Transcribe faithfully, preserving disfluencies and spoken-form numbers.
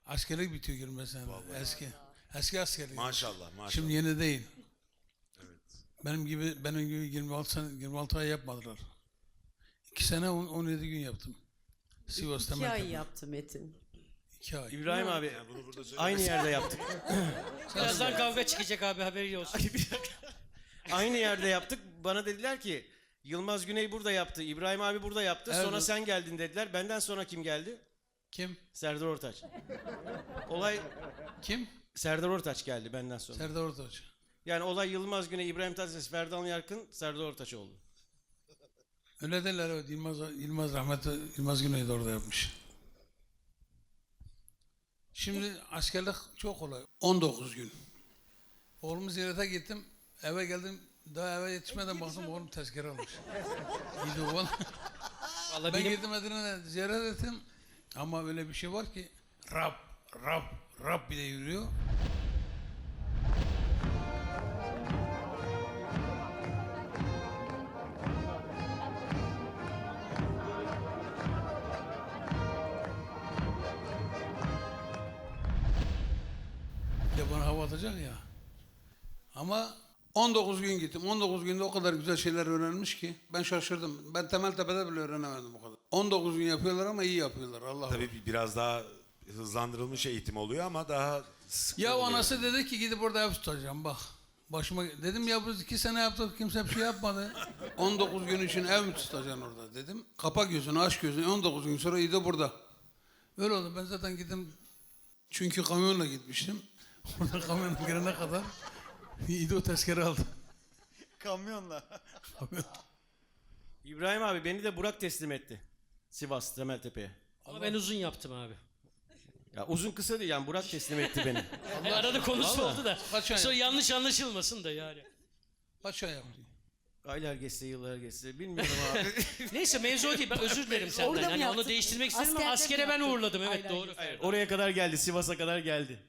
Askerlik bitiyor girmesine. Eski. Eski askerlik. Maşallah maşallah. Şimdi yeni değil. Evet. Benim gibi benim gibi yirmi altı sene yirmi altı ay yapmadılar. iki sene on, on yedi gün yaptım. Sivas'ta. İki ay Merkez'de. yaptı Metin. İki ay. İbrahim abi Yani bunu burada söyle. aynı yerde yaptık. Birazdan kavga çıkacak abi, haberi olsun. Aynı yerde yaptık. Bana dediler ki Yılmaz Güney burada yaptı. İbrahim abi burada yaptı. Evet. Sonra sen geldin dediler. Benden sonra kim geldi? Kim? Serdar Ortaç. Olay Kim? Serdar Ortaç geldi benden sonra. Serdar Ortaç. Yani olay Yılmaz Güney, İbrahim Tatlıses, Ferdan Yarkın, Serdar Ortaç oldu. Öyle derler evet. Yılmaz, Yılmaz rahmetli Yılmaz Güney de orada yapmış. Şimdi askerlik çok kolay. on dokuz gün. Oğlumu ziyarete gittim. Eve geldim. Daha eve yetişmeden baktım oğlum tezkere almış. İyiydi oğlan. Vallahi Ben benim gittim Medine'de ziyaret ettim. Ama öyle bir şey var ki Rab, Rab, Rab bile yürüyor. Bir de bana hava atacak ya. Ama on dokuz gün gittim. on dokuz günde o kadar güzel şeyler öğrenmiş ki ben şaşırdım. Ben Temeltepe'de bile öğrenemedim o kadar. on dokuz gün yapıyorlar ama iyi yapıyorlar. Allah Tabii biraz daha hızlandırılmış eğitim oluyor ama daha sıkı Ya oluyor. anası dedi ki gidip orada ev tutacağım bak. Başıma dedim ya biz iki sene yaptık kimse bir şey yapmadı. on dokuz gün için ev mi tutacaksın orada dedim. Kapa gözünü aç gözünü on dokuz gün sonra iyi de burada. Öyle oldu ben zaten gittim çünkü kamyonla gitmiştim. Orada kamyona girene kadar iyi de o tezkere aldı. Kamyonla. İbrahim abi beni de Burak teslim etti. Sivas, Temeltepe'ye. ama ben uzun yaptım abi. Ya uzun kısa değil yani Burak teslim etti beni. E, arada konusu Vallahi. oldu da. Kaç ay Sonra yaptın? yanlış anlaşılmasın da yani. Kaç ay yaptın? Aylar geçse yıllar geçse bilmiyorum abi. Neyse mevzu o değil, ben özür dilerim senden. Orada mı Hani onu yaptın? değiştirmek istedim ama Askerde mi askere ben yaptın? uğurladım, evet Aynen. doğru. Oraya kadar geldi, Sivas'a kadar geldi.